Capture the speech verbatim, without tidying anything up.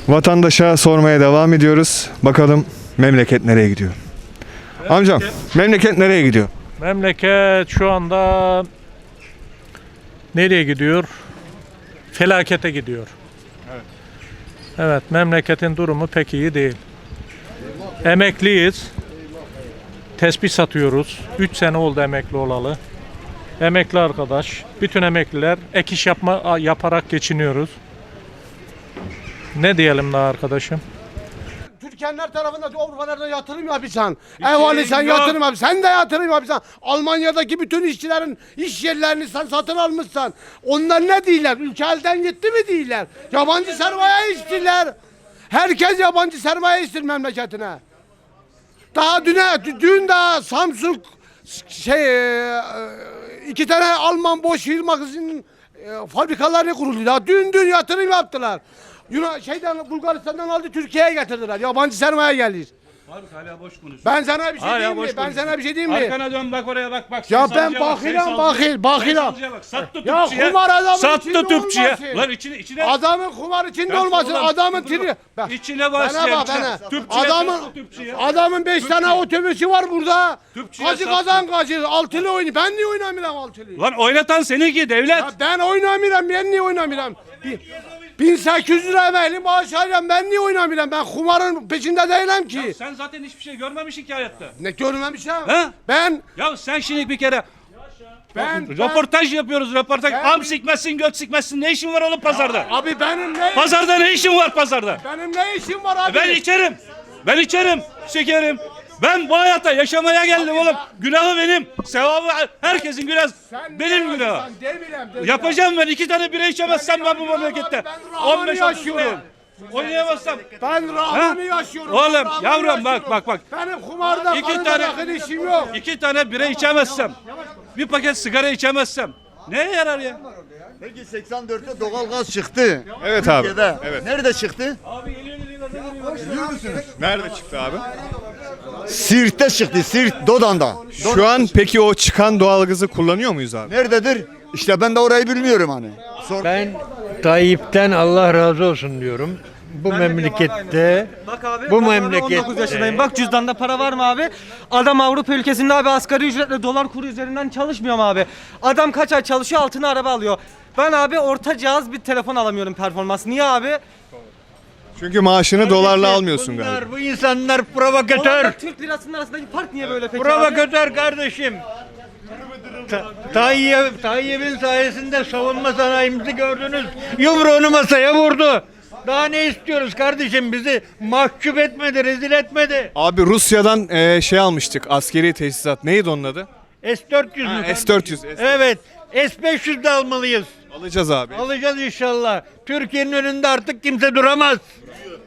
Vatandaşa sormaya devam ediyoruz. Bakalım memleket nereye gidiyor? Amcam, memleket nereye gidiyor? Memleket şu anda nereye gidiyor? Felakete gidiyor. Evet. Evet, memleketin durumu pek iyi değil. Emekliyiz. Tespih satıyoruz. üç sene oldu emekli olalı. Emekli arkadaş, bütün emekliler ek iş yapma yaparak geçiniyoruz. Ne diyelim daha arkadaşım? Türkenler tarafında Avrupalarda yatırım yapacaksın. Evvali sen yatırım yap. Sen de yatırım yapacaksın. Almanya'daki bütün işçilerin iş yerlerini sen satın almışsan. Onlar ne değiller? Ülke elden gitti mi değiller? Yabancı sermaye istiyorlar. Herkes yabancı sermaye istiyor memleketine. Daha düne, dün daha Samsung şey iki tane Alman boş firmasının fabrikalarını kuruldu. Daha dün dün yatırım yaptılar. Yunan şeyden Bulgaristan'dan aldı Türkiye'ye getirdiler. Yabancı sermaye gelir. Abi hala boş konuşuyor. Ben sana bir şey Hala diyeyim mi? boş Ben konuşuyor. sana bir şey diyeyim mi? Arkana dön bak oraya bak bak. Ya ben Sayısalcıya bak, bakiram sayısalcıya- bakil bakiram. sayısalcıya bak. Sattı Ya tüpçüye. kumar adamın Sattı içinde tüpçüye. olmasın. Lan içine içine. Adamın kumar içinde Bak olmasın. oğlum, Adamın dur, dur. tiri. Bak, İçine bana başlayan. bak bana. Tüpçüye Adamın sattı tüpçüye. adamın beş tane otobüsü var burada. Tüpçüye Kaçı sattı. kazan kaçı. Altılı oynuyor. Ben niye oynamıyorum altılı? Lan oynatan seninki devlet. Ya ben oynamıyorum. Ben niye oynamıyorum? Bir- bin sekiz yüz lira emekli maaş alıyorum. Ben niye oynamıyorum? Ben kumarın peşinde değilim ki. Sen zaten hiçbir şey görmemişsin ki hayatta. Ne görmemişim. He? Ben Ya sen şimdi bir kere ben ben- röportaj yapıyoruz röportaj. Ben- Am sikmezsin göt sikmezsin. Ne işin var oğlum pazarda? Abi benim ne Pazarda ne işin var pazarda? benim ne işim var abi? Ben içerim. Ben içerim. Şekerim. Ben bu hayata yaşamaya geldim oğlum. Günahı benim. Sevabı herkesin günahı. Sen Benim ne günahım. yapıyorsun? Demirem, demirem. Yapacağım ben. iki tane bira içemezsem ben bu yapıyorum memlekette. abi, ben rahatını on beş yaşıyorum. yaşıyorum. Oynayamazsam. Ben rahmanı Ha? yaşıyorum. Oğlum, ben rahmanı yavrum, bak, yaşıyorum. bak, bak. Benim kumarda İki karıda tane- yakın işim yok. iki tane bira içemezsem. Bir paket sigara içemezsem. Neye yarar ya? Peki seksen dörtte doğalgaz çıktı. Evet abi. Türkiye'de. Evet. Nerede çıktı? Nerede çıktı abi? Siirt'te çıktı. Siirt, Dodan'da. Şu an peki o çıkan doğalgazı kullanıyor muyuz abi? Nerededir? İşte ben de orayı bilmiyorum hani. Sor. Ben Tayyip'ten Allah razı olsun diyorum. Bu memlekette, Bak abi, bu bak abi, memlekette on dokuz yaşındayım. Bak cüzdanda para var mı abi? Adam Avrupa ülkesinde abi asgari ücretle dolar kuru üzerinden çalışmıyor mu abi? Adam kaç ay çalışıyor altına araba alıyor. Ben abi orta cihaz bir telefon alamıyorum performans. Niye abi? Çünkü maaşını dolarla almıyorsun galiba. bunlar, bu insanlar provokatör. Dolarla Türk lirasının arasındaki fark niye böyle peki abi? Provokatör kardeşim. Ta- Tayyip, Tayyip'in sayesinde savunma sanayimizi gördünüz. Yumruğunu masaya vurdu. Daha ne istiyoruz kardeşim? Bizi mahcup etmedi, rezil etmedi. Abi Rusya'dan e, şey almıştık, askeri tesisat. Neydi onun adı? S dört yüz Ha, mü? S dört yüz. S- Evet. S beş yüz de almalıyız. Alacağız abi. Alacağız inşallah. Türkiye'nin önünde artık kimse duramaz.